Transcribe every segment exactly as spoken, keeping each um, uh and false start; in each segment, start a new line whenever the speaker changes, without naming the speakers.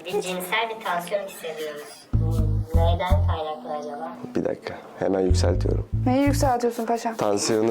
Bir cinsel bir tansiyon hissediyoruz. Bu neyden kaynaklı acaba?
Bir dakika. Hemen yükseltiyorum.
Neyi yükseltiyorsun paşam?
Tansiyonu.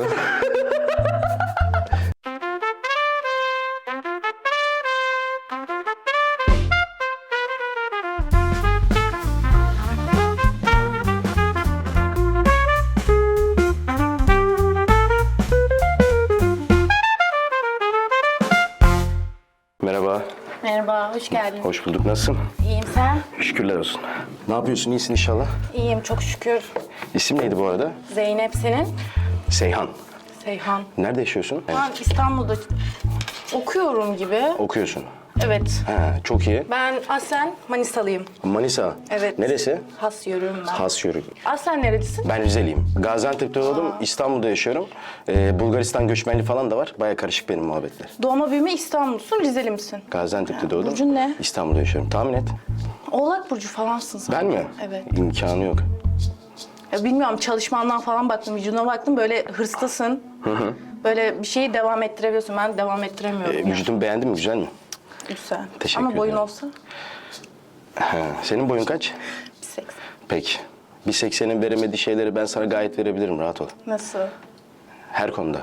Merhaba.
Merhaba, hoş geldin.
Hoş bulduk. Nasılsın?
İyiyim, sen?
Şükürler olsun. Ne yapıyorsun? İyisin inşallah.
İyiyim, çok şükür.
İsim neydi bu arada?
Zeynep senin?
Seyhan.
Seyhan.
Nerede yaşıyorsun?
Ben İstanbul'da okuyorum gibi.
Okuyorsun.
Evet.
Ha, çok iyi.
Ben aslen Manisalıyım.
Manisa.
Evet.
Neresi?
Has yörüğüm ben.
Has Yörük.
Aslen nerelisin?
Ben Rizeliyim. Gaziantep'te doğdum, İstanbul'da yaşıyorum. Ee, Bulgaristan göçmenliği falan da var. Baya karışık benim muhabbetler.
Doğma büyüme İstanbul'sun, Rizeli misin?
Gaziantep'te doğdum.
Burcun ne?
İstanbul'da yaşıyorum. Tahmin et.
Oğlak burcu falansın sen.
Ben mi?
Evet.
İmkanı yok.
Ya bilmiyorum, çalışmandan falan baktım, vücuduna baktım, böyle hırslısın. Böyle bir şeyi devam ettirebiliyorsun, ben devam ettiremiyorum.
Ee,
ya.
vücudunu beğendin mi? Güzel mi?
Güzel.
Teşekkür
Ama boyun
ederim.
olsa
Ha, senin boyun kaç?
bir seksen.
Peki. Bir seksenin veremediği şeyleri ben sana gayet verebilirim. Rahat ol.
Nasıl?
Her konuda.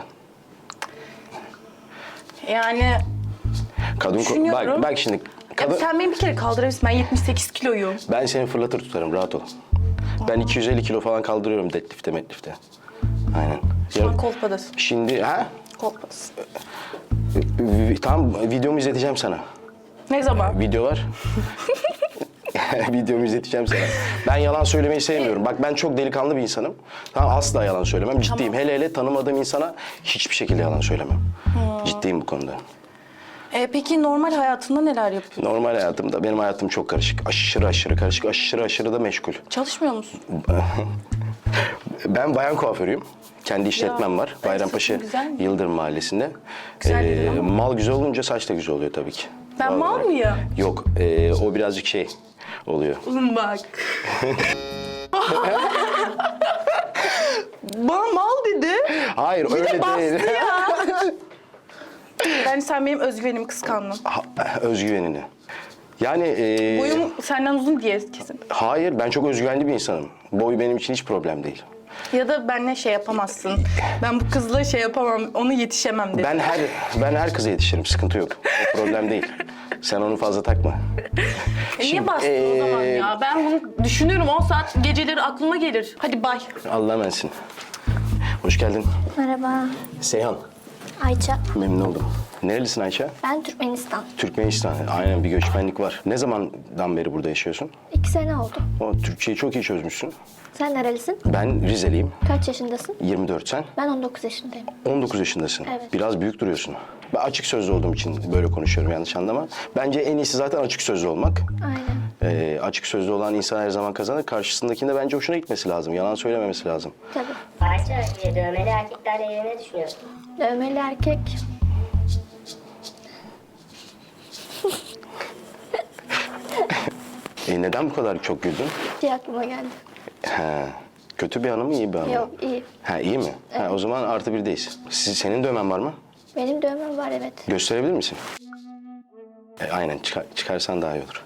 Yani
Kadın ko-
Düşünüyorum.
bak, bak şimdi. Kadın...
ya sen beni bir kere kaldırabilirsin. Ben yetmiş sekiz kiloyum.
Ben seni fırlatır tutarım. Rahat ol. Ben iki yüz elli kilo falan kaldırıyorum deadlift'te metlifte. Aynen.
Şu an
Yarın-
kolpadasın.
Şimdi ha?
Kolpadasın.
Tamam, videomu izleteceğim sana.
Ne zaman?
Video var. Videomu izleteceğim sana. Ben yalan söylemeyi sevmiyorum. Bak ben çok delikanlı bir insanım. Tamam, asla yalan söylemem. Ciddiyim. Hele hele tanımadığım insana hiçbir şekilde yalan söylemem. Ciddiyim bu konuda.
Ee, peki normal hayatında neler yapıyorsun?
Normal hayatımda, benim hayatım çok karışık. Aşırı aşırı karışık, aşırı aşırı da meşgul.
Çalışmıyor musun?
Ben bayan kuaförüyüm. Kendi işletmem var.
ben
Bayrampaşa
saçım güzel mi?
Yıldırım Mahallesi'nde.
Güzel değil ama.
Mal güzel olunca saç da güzel oluyor tabii ki.
Ben
Doğal
mal
olarak.
mıyım?
Yok, ee, o birazcık şey oluyor.
Oğlum bak. Bana mal dedi.
Hayır,
Bir
öyle
de bastı
değil.
ya. Yani sen benim özgüvenimi kıskandın.
Ha, özgüvenini. Yani ee,
Boyum senden uzun diye kesin.
hayır, ben çok özgüvenli bir insanım. Boy benim için hiç problem değil.
Ya da benimle şey yapamazsın. Ben bu kızla şey yapamam, onu yetişemem dedi.
Ben her ben her kıza yetişirim, sıkıntı yok. O problem değil. Sen onu fazla takma.
E niye
Şimdi,
bastın o zaman
ee,
ya? Ben bunu düşünüyorum, on saat geceleri aklıma gelir. Hadi bay.
Allah'a emanetsin. Hoş geldin.
Merhaba,
Seyhan.
Ayça.
Memnun oldum. Nerelisin Ayça?
Ben Türkmenistan.
Türkmenistan. Aynen, bir göçmenlik var. Ne zamandan beri burada yaşıyorsun?
İki sene oldu.
O Türkçeyi çok iyi çözmüşsün.
Sen nerelisin?
Ben Rizeliyim.
Kaç yaşındasın?
yirmi dört sen.
Ben on dokuz yaşındayım.
on dokuz yaşındasın.
Evet.
Biraz büyük duruyorsun. Ben açık sözlü olduğum için böyle konuşuyorum, yanlış anlama. Bence en iyisi zaten açık sözlü olmak.
Aynen.
Ee, açık sözlü olan insan her zaman kazanır. Karşısındakinde bence hoşuna gitmesi lazım. Yalan söylememesi lazım.
Tabii.
Ayça, e, dövmeli erkeklerle ilgili ne düşünüyorsun?
Dövmeli erkek.
E, neden bu kadar çok güldün?
Diye aklıma geldi.
He, kötü bir anı mı, iyi bir anı mı?
Yok, iyi.
Ha, iyi mi? Ha, o zaman artı birdeyiz. Siz, senin dövmen var mı?
Benim dövmem var, evet.
Gösterebilir misin? E, aynen, çıkar, çıkarsan daha iyi olur.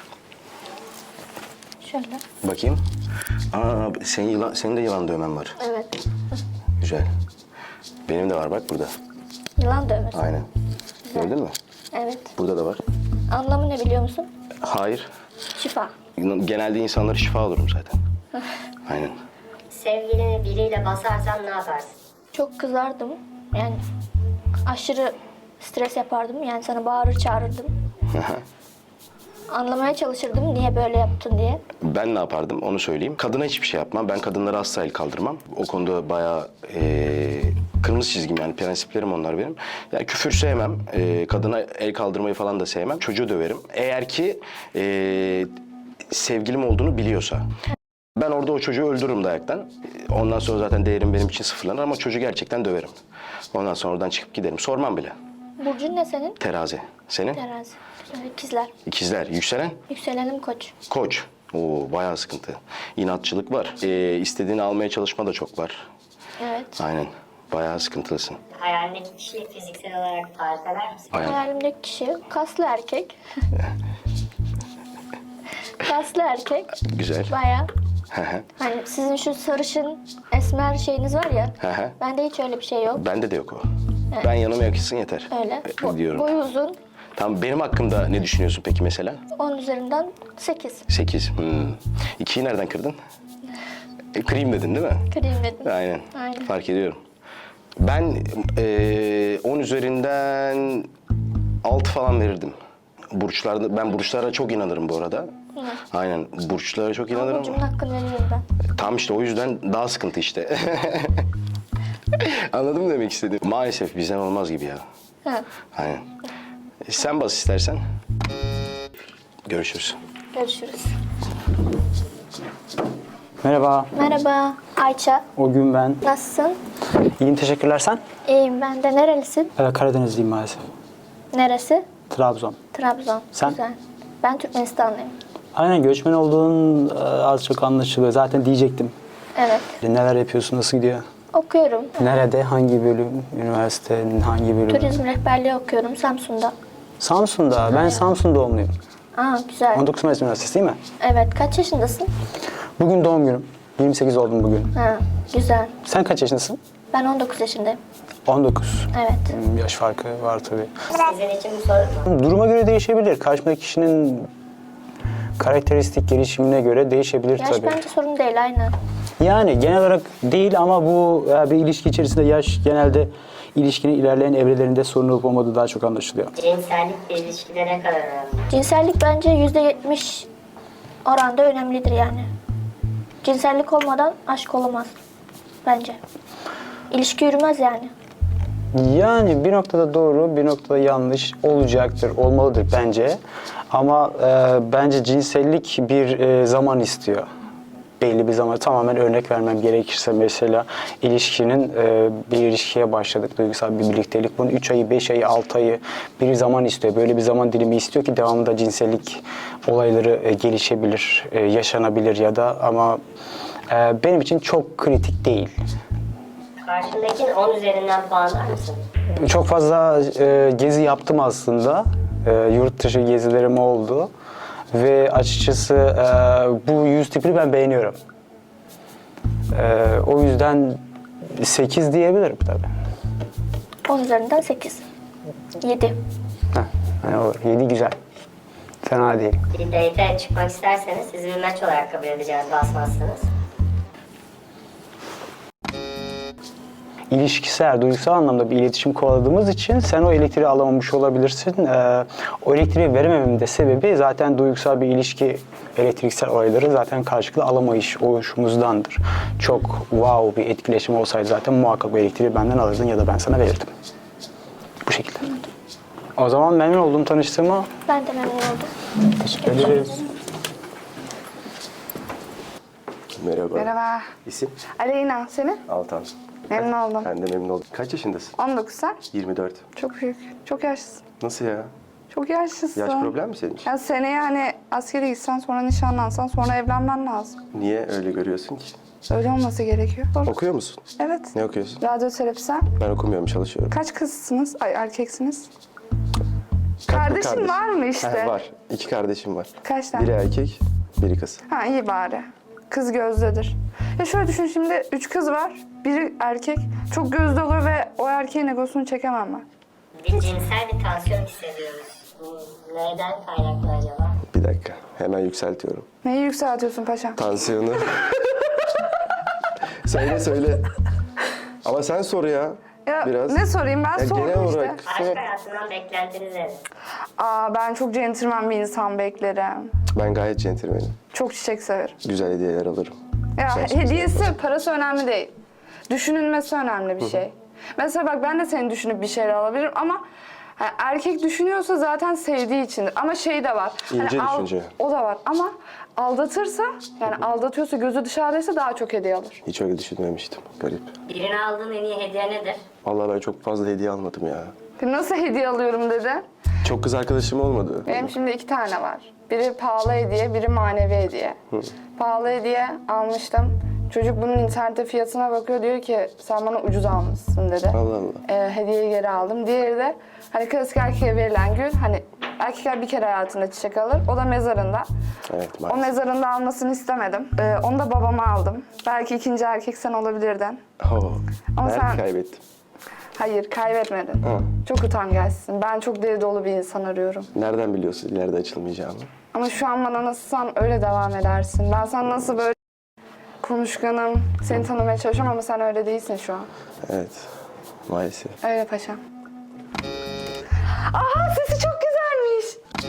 Şöyle.
Bakayım. Aa, senin, yılan, senin de yılan dövmen var.
Evet.
Güzel. Benim de var bak burada.
Yılan dövmesi.
Aynen. Gördün mü?
Evet.
Burada da var.
Anlamı ne biliyor musun?
Hayır.
Şifa.
Genelde insanlara şifa olurum zaten. Aynen.
Sevgilini biriyle basarsan ne yaparsın?
Çok kızardım. Yani aşırı stres yapardım. Yani sana bağırır çağırırdım. Anlamaya çalışırdım niye böyle yaptın diye.
Ben ne yapardım onu söyleyeyim. Kadına hiçbir şey yapmam. Ben kadınlara asla el kaldırmam. O konuda bayağı eee, kırmızı çizgim, yani prensiplerim onlar benim. Yani küfür sevmem. Eee, kadına el kaldırmayı falan da sevmem. Çocuğu döverim. Eğer ki eee, sevgilim olduğunu biliyorsa. Ben orada o çocuğu öldürürüm dayaktan. Ondan sonra zaten değerim benim için sıfırlanır ama çocuğu gerçekten döverim. Ondan sonra oradan çıkıp giderim. Sormam bile.
Burcun ne senin?
Terazi. Senin?
Terazi. İkizler.
İkizler. Yükselen?
Yükselenim Koç.
Koç. Oo, bayağı sıkıntı. İnatçılık var. Ee, istediğini almaya çalışma da çok var.
Evet.
Aynen. Bayağı sıkıntılısın.
Hayalindeki kişiyi fiziksel olarak tarif eder misin?
Aynen.
Hayalimdeki kişi kaslı erkek. kaslı erkek.
Güzel.
Bayağı.
Hı hı.
Hani sizin şu sarışın esmer şeyiniz var ya.
Hı hı.
Bende hiç öyle bir şey yok.
Bende de yok o. Ben yanıma yakışsın yeter.
Öyle.
E,
Bo-
diyorum.
boyu uzun.
Tamam, benim hakkımda ne düşünüyorsun peki mesela?
on üzerinden sekiz.
Sekiz. Hmm. İkiyi nereden kırdın? E, kırayım dedin değil mi?
Kırayım dedim.
Aynen.
Aynen.
Fark ediyorum. Ben e, on üzerinden altı falan verirdim. Burçlarda, ben burçlara çok inanırım bu arada. Aynen, burçlara çok inanırım.
Burcumun hakkını veriyorum ben.
Tam işte o yüzden daha sıkıntı işte. Anladın mı demek istediğim? Maalesef bizden olmaz gibi ya.
Ha.
Aynen. E, sen bas istersen. Görüşürüz.
Görüşürüz.
Merhaba,
Merhaba Ayça.
o gün ben.
Nasılsın?
İyiyim, teşekkürler sen.
İyiyim ben de. Nerelisin?
Ee, Karadenizliyim maalesef.
Neresi?
Trabzon.
Trabzon.
Sen?
Güzel. Ben Türkmenistanlıyım.
Aynen, göçmen olduğun e, az çok anlaşılıyor. Zaten diyecektim.
Evet.
Neler yapıyorsun, nasıl gidiyor?
Okuyorum.
Nerede, hangi bölüm, üniversitenin hangi bölümü?
Turizm rehberliği okuyorum Samsun'da.
Samsun'da, ben Samsun doğumluyum.
Aa güzel.
on dokuz Mayıs Üniversitesi değil mi?
Evet. Kaç yaşındasın?
Bugün doğum günüm. yirmi sekiz oldum bugün.
Ha güzel.
Sen kaç yaşındasın?
Ben on dokuz yaşındayım.
on dokuz.
Evet.
Hmm, yaş farkı var tabii.
Sizin için bu soru mu?
Duruma göre değişebilir. Karşımdaki kişinin karakteristik gelişimine göre değişebilir
Yaş
tabii.
bence sorun değil aynen.
Yani genel olarak değil ama bu e, bir ilişki içerisinde yaş genelde ilişkinin ilerleyen evrelerinde sorun olup olmadığı daha çok anlaşılıyor.
Cinsellik bir ilişkide ne kadar önemli?
Cinsellik bence yüzde yetmiş oranda önemlidir yani. Cinsellik olmadan aşk olamaz bence. İlişki yürümez yani.
Yani bir noktada doğru, bir noktada yanlış olacaktır, olmalıdır bence. Ama e, bence cinsellik bir e, zaman istiyor. Belli bir zaman, tamamen örnek vermem gerekirse mesela ilişkinin e, bir ilişkiye başladık, duygusal bir birliktelik. Bunun üç ayı, beş ayı, altı ayı bir zaman istiyor. Böyle bir zaman dilimi istiyor ki devamında cinsellik olayları e, gelişebilir, e, yaşanabilir ya da ama e, benim için çok kritik değil.
Karşındakinin on üzerinden puanlar mısın?
Çok fazla e, gezi yaptım aslında. E, yurt dışı gezilerim oldu. Ve açıkçası e, bu yüz tipini ben beğeniyorum. E, o yüzden sekiz diyebilirim tabii.
on üzerinden sekiz. yedi.
Heh, yani olur. yedi güzel. Fena değil.
Bir date'e çıkmak isterseniz sizi bir maç olarak kabul edeceğiz basmazsanız.
İlişkisel, duygusal anlamda bir iletişim kovaladığımız için sen o elektriği alamamış olabilirsin. Ee, o elektriği veremememin de sebebi zaten duygusal bir ilişki, elektriksel olayları zaten karşılıklı alamayış oluşumuzdandır. Çok wow bir etkileşim olsaydı zaten muhakkak bu elektriği benden alırdın ya da ben sana verirdim. Bu şekilde. O zaman memnun oldum tanıştığıma.
Ben de memnun oldum.
Teşekkür ederiz.
Merhaba.
Merhaba.
İsim?
Aleyna, senin?
Altan.
Memnun oldum.
Ben de memnun oldum. Kaç yaşındasın?
on dokuz sen?
yirmi dört.
Çok büyük. Çok yaşlısın.
Nasıl ya?
Çok yaşlısın.
Yaş problem mi senin için?
Ya seneye hani askere gitsen, sonra nişanlansan, sonra evlenmen lazım.
Niye öyle görüyorsun ki?
Öyle olması gerekiyor. Doğru.
Okuyor musun?
Evet.
Ne okuyorsun?
Radyoterapi sen.
Ben okumuyorum, çalışıyorum.
Kaç kızsınız? Ay erkeksiniz.
Kaç
Kardeşin
kardeş?
var mı işte?
Ha, var. İki kardeşim var.
Kaç tane?
Biri erkek, biri kız.
Ha iyi bari. Kız gözdedir. Ya şöyle düşün şimdi, üç kız var, biri erkek. Çok gözde olur ve o erkeğin egosunu çekemem ben.
Bir cinsel bir tansiyon hissediyoruz. Bu neyden kaynaklı acaba?
Bir dakika, hemen yükseltiyorum.
Neyi yükseltiyorsun paşam?
Tansiyonu. Söyle söyle. Ama sen sor ya.
Ya
Biraz.
ne sorayım ben
Ya
sordum
genel
işte.
olarak
Aşk
sor.
hayatından beklentiniz nedir?
Aa ben çok centilmen bir insan beklerim.
Ben gayet centilmenim.
Çok çiçek severim.
Güzel hediyeler alırım.
Ya
Gerçekten
hediyesi, parası önemli değil. Düşünülmesi önemli bir şey. Mesela bak ben de seni düşünüp bir şeyler alabilirim ama hani erkek düşünüyorsa zaten sevdiği içindir. Ama şey de var.
İnce
al-
düşünce.
O da var ama aldatırsa yani aldatıyorsa gözü dışarıdaysa daha çok hediye alır.
Hiç öyle düşünmemiştim. Garip.
Birine aldığın en iyi hediye nedir?
Vallahi ben çok fazla hediye almadım ya.
Nasıl hediye alıyorum dedi.
Çok kız arkadaşım olmadı.
Benim şimdi iki tane var. Biri pahalı hediye, biri manevi hediye. Pahalı hediye almıştım. Çocuk bunun internette fiyatına bakıyor, diyor ki sen bana ucuz almışsın dedi.
Allah Allah.
Ee, hediyeyi geri aldım. Diğeri de hani klasik erkeğe verilen gül, hani Erkekler bir kere hayatında çiçek alır. O da mezarında.
Evet
O
maalesef.
mezarında almasını istemedim. Ee, onu da babama aldım. Belki ikinci erkek sen olabilirdin.
Oo,
Ama
belki
sen-
kaybettim.
Hayır, kaybetmedin.
Hı.
Çok utangaçsın. Ben çok deli dolu bir insan arıyorum.
Nereden biliyorsun ileride açılmayacağımı?
Ama şu an bana nasılsan öyle devam edersin. Ben sana nasıl böyle konuşkanım, seni tanımaya çalışıyorum ama sen öyle değilsin şu an.
Evet maalesef.
Öyle paşam. Aha, sesi çok güzelmiş.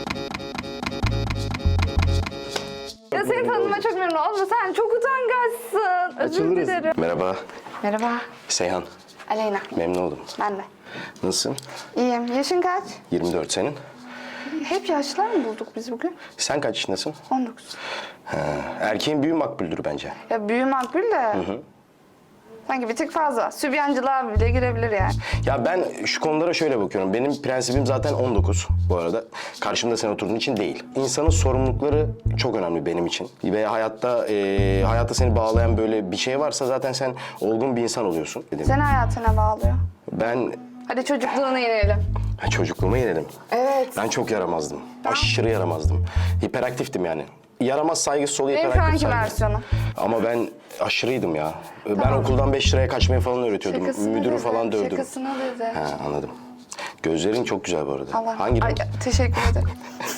Ya seni tanıma çok memnun oldum. Sen çok utangaçsın. Özür dilerim.
Merhaba
Merhaba.
Seyhan.
Aleyna.
Memnun oldum.
Ben de.
Nasılsın?
İyiyim. Yaşın kaç?
yirmi dört senin.
Hep yaşlılar mı bulduk biz bugün?
Sen kaç yaşındasın?
on dokuz.
Ha, erkeğin büyüğü makbuldür bence.
Ya büyü makbul de. Sanki bir tık fazla. Sübyancılığa bile girebilir yani.
Ya ben şu konulara şöyle bakıyorum. Benim prensibim zaten on dokuz bu arada. Karşımda sen oturduğun için değil. İnsanın sorumlulukları çok önemli benim için. Ve hayatta e, hayatta seni bağlayan böyle bir şey varsa zaten sen olgun bir insan oluyorsun. Dedim.
Seni hayatına bağlıyor.
Ben
Hadi çocukluğuna inelim.
ha, çocukluğuma yenelim.
Evet.
Ben çok yaramazdım. Aşırı yaramazdım. Hiperaktiftim yani. Yaramaz saygısız oluyor,
Benim
hiperaktif
şu anki
saygısız.
versiyonu.
Ama ben aşırıydım ya. Ben
Tamam.
okuldan beş liraya kaçmayı falan öğretiyordum.
Şakasını
Müdürü
dedi,
falan dövdüm.
Şakasını dedi.
Ha, anladım. Gözlerin çok güzel bu arada.
Allah.
Hangi
Ay,
renk?
teşekkür ederim.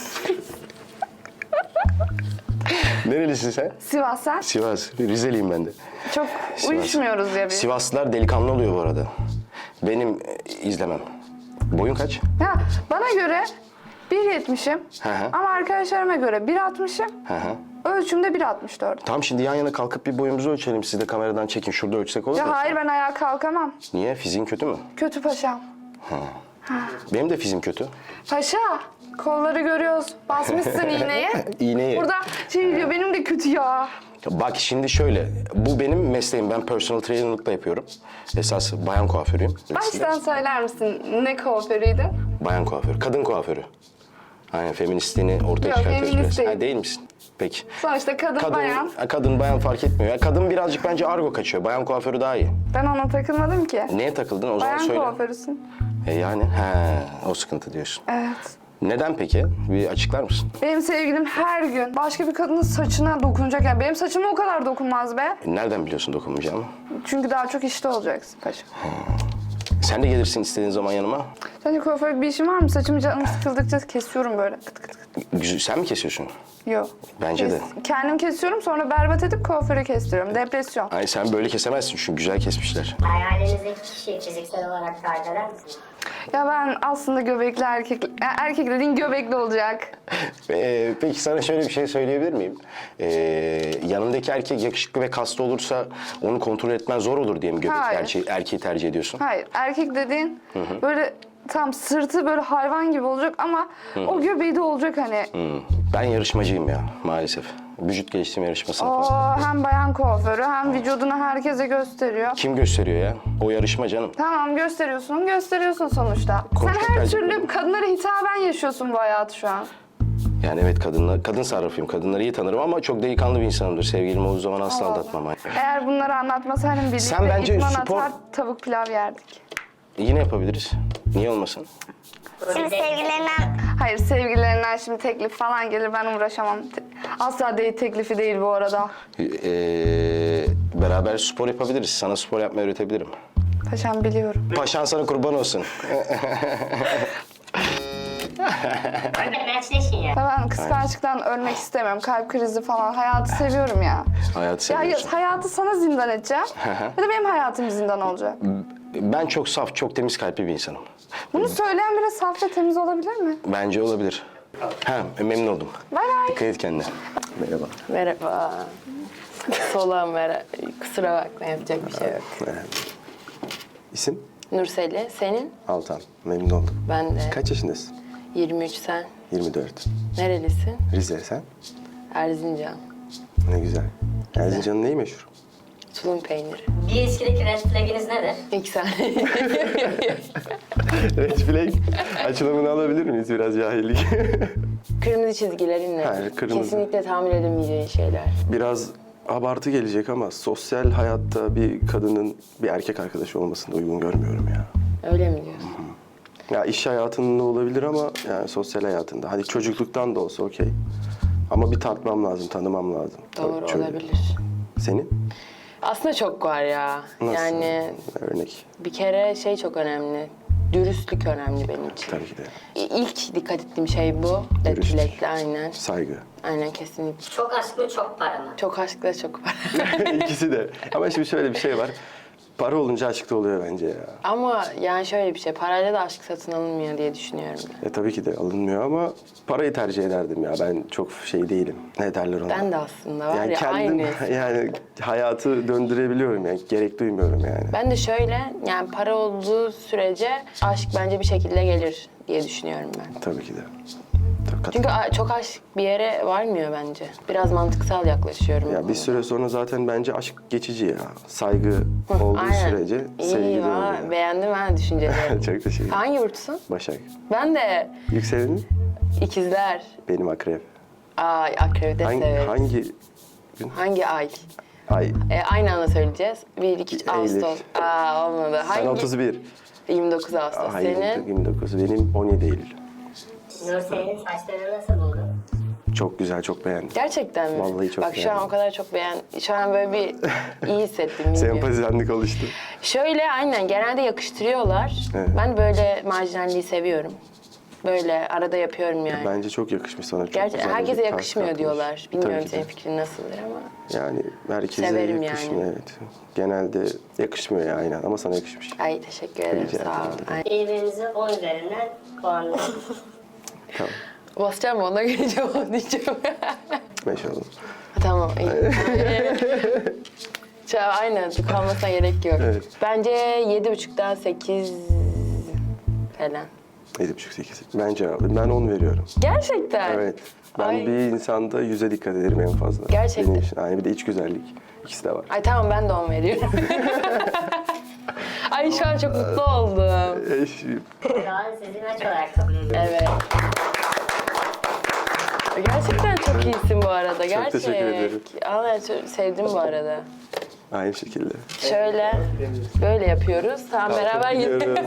Nerelisin sen?
Sivas sen?
Sivas. Rizeliyim ben de.
Çok
Sivas.
uyuşmuyoruz ya biz.
Sivaslılar delikanlı oluyor bu arada. Benim e, izlemem. Boyun kaç?
Ya bana göre bir yetmişim
Hı hı.
ama arkadaşlarıma göre bir altmışım.
Hı hı.
Ölçümde bir altmış dört.
Tamam şimdi yan yana kalkıp bir boyumuzu ölçelim. Siz de kameradan çekin. Şurada ölçsek olur mu?
Ya hayır, ben ayağa kalkamam.
Niye? Fiziğin kötü mü?
Kötü paşam.
Benim de fiziğim kötü.
Paşa, kolları görüyoruz. Basmışsın iğneyi.
İğneyi.
Burada şey diyor, benim de kötü ya.
Bak şimdi şöyle. Bu benim mesleğim. Ben personal trainer'lıkla yapıyorum. Esas bayan kuaförüyüm.
Baştan söyler misin ne kuaförüydü?
Bayan kuaförü. Kadın kuaförü. Aynen feministliğini ortaya
Yok,
çıkartıyoruz
feminist
biraz.
değil.
Ha, değil misin? Peki.
Sonuçta kadın,
Kadın,
bayan.
ha, kadın bayan fark etmiyor. Ya, kadın birazcık bence argo kaçıyor. Bayan kuaförü daha iyi.
Ben ona takılmadım ki.
Neye takıldın o zaman
Bayan
söyle.
kuaförüsün.
E yani he, o sıkıntı diyorsun.
Evet.
Neden peki? Bir açıklar mısın?
Benim sevgilim her gün başka bir kadının saçına dokunacak. Yani benim saçıma o kadar dokunmaz be.
E, nereden biliyorsun dokunmayacağımı?
Çünkü daha çok işte olacaksın paşa.
Sen de gelirsin istediğin zaman yanıma.
Sence kuaförlük bir işin var mı? Saçımı canım sıkıldıkça kesiyorum böyle. Kıt kıt kıt.
Güzel, sen mi kesiyorsun?
Yok.
Bence de.
Kendim kesiyorum, sonra berbat edip kuaföre kestiriyorum. Depresyon.
Ay sen böyle kesemezsin çünkü güzel kesmişler.
Hayalinizdeki kişiyi fiziksel olarak tarif eder misiniz?
Ya ben aslında göbekli erkek... Ya erkek dediğin göbekli olacak.
Ee, peki sana şöyle bir şey söyleyebilir miyim? Ee, yanındaki erkek yakışıklı ve kaslı olursa onu kontrol etmen zor olur diye mi göbekli
Hayır.
erkeği, erkeği tercih ediyorsun?
Hayır, erkek dediğin böyle tam sırtı böyle hayvan gibi olacak ama o göbeği de olacak hani.
Hmm. Ben yarışmacıyım ya maalesef. Vücut geliştirme yarışmasına
O
falan.
hem bayan kuaförü hem vücudunu herkese gösteriyor.
Kim gösteriyor ya? O yarışma canım.
Tamam, gösteriyorsun, gösteriyorsun sonuçta.
Konuştuk
Sen her
bence.
türlü kadınlara hitaben yaşıyorsun bu hayatı şu an.
Yani evet kadınlar, kadın sarrafıyım. Kadınları iyi tanırım ama çok delikanlı bir insanımdır. Sevgilim olduğu zaman asla
Allah.
aldatmam.
Eğer bunları anlatmasaydım birlikte
Sen bence
idman
spor-
atar, tavuk pilav yerdik.
Yine yapabiliriz. Niye olmasın?
Şimdi sevgililerinden
Hayır, sevgililerinden şimdi teklif falan gelir, ben uğraşamam. Te- Asla date teklifi değil bu arada.
Ee, beraber spor yapabiliriz. Sana spor yapmayı öğretebilirim.
Paşam biliyorum.
Paşan sana kurban olsun.
Hadi matchleşin ya.
Ya ben kıskançlıktan ölmek istemiyorum. Kalp krizi falan. Hayatı seviyorum ya.
Hayatı
Ya, ya
seviyorsun.
hayatı sana zindan edeceğim. ya da benim hayatım zindan olacak.
Ben çok saf, çok temiz kalpli bir insanım.
Bunu söyleyen biri saf ve temiz olabilir mi?
Bence olabilir. Ha, memnun oldum.
Bay bay.
Dikkat et kendine. Merhaba.
Merhaba. Solağım merhaba. Kusura bakma, yapacak bir şey yok.
İsim?
Nurseli, senin?
Altan. Memnun oldum.
Ben de.
Kaç yaşındasın?
yirmi üç sen.
yirmi dört.
Nerelisin?
Rize sen?
Erzincan.
Ne güzel. Erzincan'ın neyi meşhur?
Tulum peyniri.
Bir ilişkideki red flaginiz nedir?
İki saniye.
Red flag. Açılımını alabilir miyiz? Biraz cahillik.
Kırmızı çizgilerin ne?
Hayır, kırmızı.
Kesinlikle tahammül edemeyeceğin şeyler.
Biraz abartı gelecek ama sosyal hayatta bir kadının bir erkek arkadaşı olmasını da uygun görmüyorum ya.
Öyle mi diyorsun?
Ya iş hayatında olabilir ama yani sosyal hayatında. Hadi çocukluktan da olsa okey. Ama bir tartmam lazım, tanımam lazım.
Doğru
Şöyle.
olabilir.
Senin?
Aslında çok var ya.
Nasıl?
Yani
Örnek.
bir kere şey çok önemli. Dürüstlük önemli benim için.
Tabii ki de.
İ- İlk dikkat ettiğim şey bu.
Dürüstlük.
Dilekle aynen.
Saygı.
Aynen kesinlikle.
Çok aşk mı çok para mı?
Çok aşkla çok var.
İkisi de. Ama şimdi şöyle bir şey var. Para olunca aşk da oluyor bence ya.
Ama yani şöyle bir şey, parayla da aşk satın alınmıyor diye düşünüyorum ben.
E tabii ki de alınmıyor ama parayı tercih ederdim ya. Ben çok şey değilim. Ne derler ona?
Ben de aslında var
yani
ya
kendim
aynı.
yani hayatı döndürebiliyorum yani. Gerek duymuyorum yani.
Ben de şöyle, yani para olduğu sürece aşk bence bir şekilde gelir diye düşünüyorum ben.
Tabii ki de. Tabii, kat-
Çünkü a- çok aşk bir yere varmıyor bence. Biraz mantıksal yaklaşıyorum. bu
Ya bir
konuda.
süre sonra zaten bence aşk geçici ya. Saygı olduğu
Aynen.
sürece
İyi,
sevgi de
valla
oluyor.
beğendim ben düşünceleri.
Çok teşekkür ederim.
Hangi burçsun?
Başak.
Ben de
Yükselenin
ikizler.
benim akrep.
Ay akrebi de
Hangi,
severiz.
hangi gün?
Hangi ay?
Ay.
E, aynı anda söyleyeceğiz. bir, iki, üç,
Eylül.
Ağustos. Aa olmadı.
Sen
Hangi?
otuz bir.
yirmi dokuz Ağustos.
Hayır,
Senin?
yirmi dokuz. Benim on yedi Eylül.
Nur senin saçlarını nasıl buldun?
Çok güzel, çok beğendim.
Gerçekten mi?
Vallahi çok
Bak şu an
beğendim.
o kadar çok beğen... Şu an böyle bir iyi hissettim. iyi diyor.
Sempazilendik oluştu.
Şöyle aynen genelde yakıştırıyorlar.
Evet.
Ben böyle marjinalliği seviyorum. Böyle arada yapıyorum yani.
Bence çok yakışmış sana. Çok
Gerçi
güzel
herkese
bir tarz
yakışmıyor
katmış.
diyorlar. Bilmiyorum
Tabii ki de.
senin fikrin nasıldır ama.
Yani herkese
Severim
yakışmıyor
yani.
evet. Genelde yakışmıyor ya aynen ama sana yakışmış.
Ay teşekkür ederim
Rica
sağ ol.
ederim.
Ay.
Birbirinizi on üzerinden puanlayın.
Tamam.
Basacağım mı? Ona göre cevap diyeceğim.
Beş oldu.
Tamam iyi. Şu an aynen kalmasına gerek yok.
Evet.
Bence yedi buçuktan sekiz falan.
Yedi buçuk sekiz. Ben cevabım. Ben on veriyorum.
Gerçekten.
Evet. Ben
Ay.
bir insanda yüze dikkat ederim en fazla.
Gerçekten.
Benim için. Yani bir de iç güzellik. İkisi de var.
Ay tamam ben de on veriyorum. Ay şu an çok mutlu oldum.
Eş,
Şu an sizi maç olarak kabul ediyorum.
Evet. Gerçekten çok iyisin bu arada. Gerçek.
teşekkür ederim.
Allah çok sevdim bu arada.
aynı şekilde.
Şöyle böyle yapıyoruz. Tamam beraber gidiyoruz.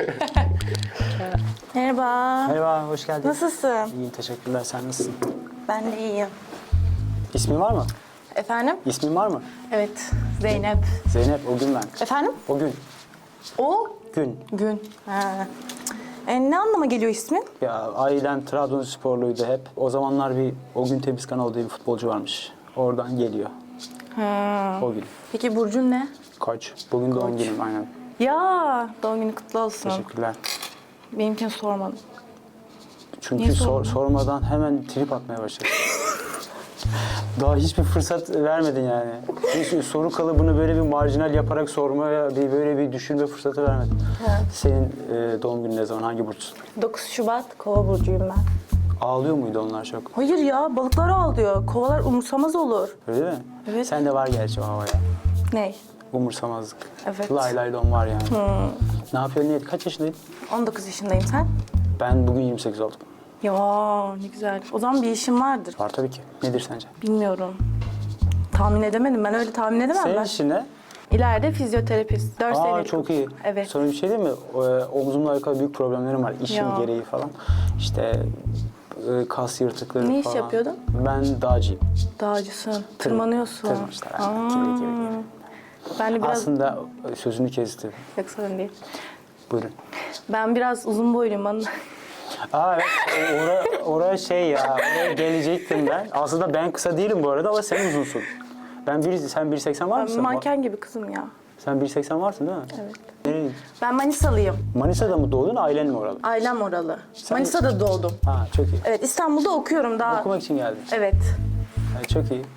Merhaba.
Merhaba, hoş geldin.
Nasılsın?
İyiyim, teşekkürler. Sen nasılsın?
Ben de iyiyim.
İsmin var mı?
Efendim?
İsmin var mı?
Evet. Zeynep.
Zeynep, o gün ben.
Efendim?
O gün.
O
Gün.
gün. Ha. E, ne anlama geliyor ismin?
Ya ailem Trabzonsporluydu hep. O zamanlar bir o gün Temiz Kanal diye bir futbolcu varmış. Oradan geliyor.
Ha.
O gün.
Peki burcun ne?
Koç. Bugün doğum günüm aynen.
Ya doğum günü kutlu olsun.
Teşekkürler.
Benimkini sormadım.
Çünkü
Niye
sor-
sordun?
sormadan hemen trip atmaya başladın. Daha hiçbir fırsat vermedin yani. Hiç soru kalıbını böyle bir marjinal yaparak sormaya, bir böyle bir düşünme fırsatı vermedin. Senin e, doğum günün ne zaman, hangi burçsun?
dokuz Şubat Kova burcuyum ben.
Ağlıyor muydu onlar çok?
Hayır ya balıklar ağlıyor. Kovalar umursamaz olur.
Öyle mi?
Evet.
Sende var gerçi o havaya.
Ne?
Umursamazlık.
Evet.
Lay lay don var yani. Ne yapıyorsun? Niye? Kaç yaşındaydın?
on dokuz yaşındayım sen?
Ben bugün yirmi sekiz oldum.
Ya ne güzel. O zaman bir işin vardır.
Var tabii ki. Nedir sence?
Bilmiyorum. Tahmin edemedim. Ben öyle tahmin edemem
Senin
ben.
işin ne?
İleride fizyoterapist. dört
Aa
senelik.
çok iyi.
Evet.
Sonra bir şey değil mi? O, e, omzumla alakalı büyük problemlerim var. İşim
Ya.
gereği falan. İşte e, kas yırtıkları
Ne iş
falan.
yapıyordun?
Ben dağcıyım.
Dağcısın. Tırmanıyorsun.
Tırmanışlar.
Aa.
Aynen. Gibi gibi gibi.
Ben de biraz...
Aslında e, sözünü kestim.
Yok sorun değil.
Buyurun.
Ben biraz uzun boyluyum. Bana...
Aa evet. Oraya ora şey ya. Oraya gelecektim ben. Aslında ben kısa değilim bu arada ama sen uzunsun. Ben bir, sen bir seksen var
Ben
mısın?
manken gibi kızım ya.
Sen bir seksen varsın değil mi?
Evet.
Nereye?
Ben Manisalıyım.
Manisa'da mı doğdun, ailen mi oralı?
Ailem oralı. Manisa'da doğdum.
Ha çok iyi.
Evet İstanbul'da okuyorum daha.
Okumak için geldin.
Evet.
Ha, çok iyi.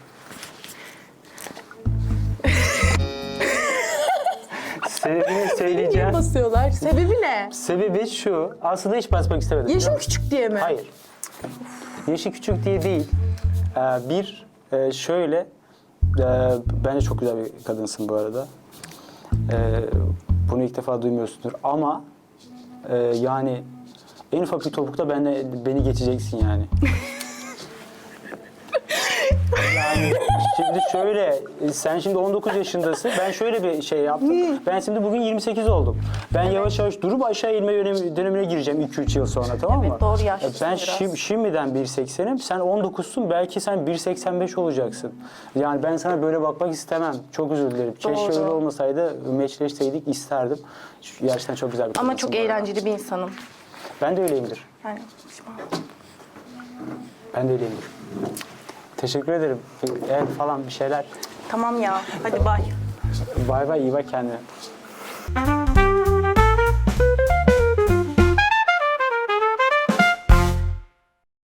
Sebebini söyleyeceğim.
Basıyorlar. Sebebi ne?
Sebebi şu, aslında hiç basmak istemedim.
Yaşım
Yok.
küçük diye mi?
Hayır. Yaşı küçük diye değil. Ee, bir, e, şöyle, e, bence çok güzel bir kadınsın bu arada. E, bunu ilk defa duymuyorsundur ama e, yani en ufak bir topukta benle, beni geçeceksin yani. Yani Şimdi şöyle, sen şimdi on dokuz yaşındasın. Ben şöyle bir şey yaptım. Ben şimdi bugün yirmi sekiz oldum. Ben yavaş yavaş durup aşağı inme dönemi- dönemine gireceğim iki üç yıl sonra, tamam mı?
Evet, doğru yaşlısın
Ben
biraz.
şim- şimdiden bir seksenim. Sen on dokuzsun. Belki sen bir seksen beş olacaksın. Yani ben sana böyle bakmak istemem. Çok özür dilerim. Keşke
Doğru.
öyle olmasaydı, meçleşseydik isterdim. Gerçekten çok güzel bir
Ama
kadınsın
çok
bu arada.
eğlenceli bir insanım.
Ben de öyleyimdir.
Yani
Ben de öyleyimdir. Teşekkür ederim. El falan bir şeyler.
tamam ya. Hadi bay.
Bay bay, iyi bak kendine.